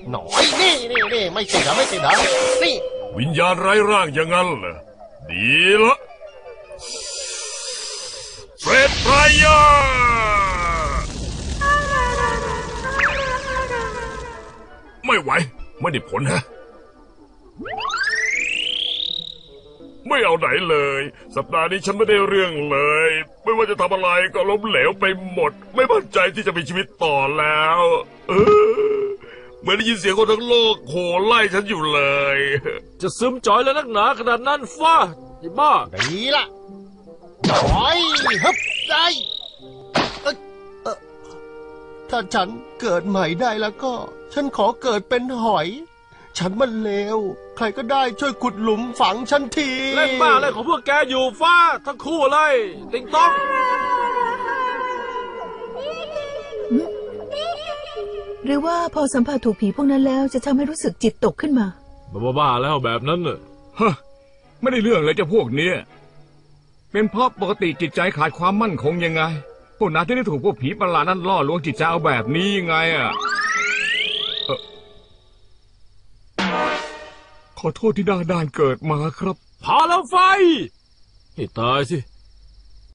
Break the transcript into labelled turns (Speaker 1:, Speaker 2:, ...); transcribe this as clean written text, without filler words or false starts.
Speaker 1: หน่อยนี่ไม่ติดเหรอนี่
Speaker 2: วิญญาณไร้ร่างอย่างนั้นเหรอดีละเฟรดไพรเออร์ไม่ไหวไม่ได้ผลฮะไม่เอาไหนเลยสัปดาห์นี้ฉันไม่ได้เรื่องเลยไม่ว่าจะทำอะไรก็ล้มเหลวไปหมดไม่มั่นใจที่จะมีชีวิตต่อแล้วเหมือนได้ยินเสียงคนทั้งโลกโห่ไล่ฉันอยู่เลย
Speaker 3: จะซึมจ่อยแล้วนักหนาขนาดนั้นฟ้าไอ้บ้า
Speaker 1: ดีละหน่อยฮึบได้ถ้าฉันเกิดใหม่ได้แล้วก็ฉันขอเกิดเป็นหอยฉันมันเลวใครก็ได้ช่วยขุดหลุมฝังฉันที
Speaker 3: เล่นบ้าอะไรของพวกแกอยู่ฟ้าทั้งคู่เลยติงต้อง
Speaker 4: หรือว่าพอสัมผัสถูกผีพวกนั้นแล้วจะทำให้รู้สึกจิตตกขึ้นมา
Speaker 3: บ้าแล้วแบบนั้นน่ะ
Speaker 5: ฮะไม่ได้เรื่องเลยเจ้าพวกเนี้ยเป็นเพราะปกติจิตใจขาดความมั่นคงยังไงพวกนั้นที่ได้ถูกพวกผีประหลาดนั้นล่อลวงจิตใจเอาแบบนี้ยังไงอ่ะขอโทษที่ด้านเกิดมาครับ
Speaker 3: พาแล้วไฟให้ตายสิ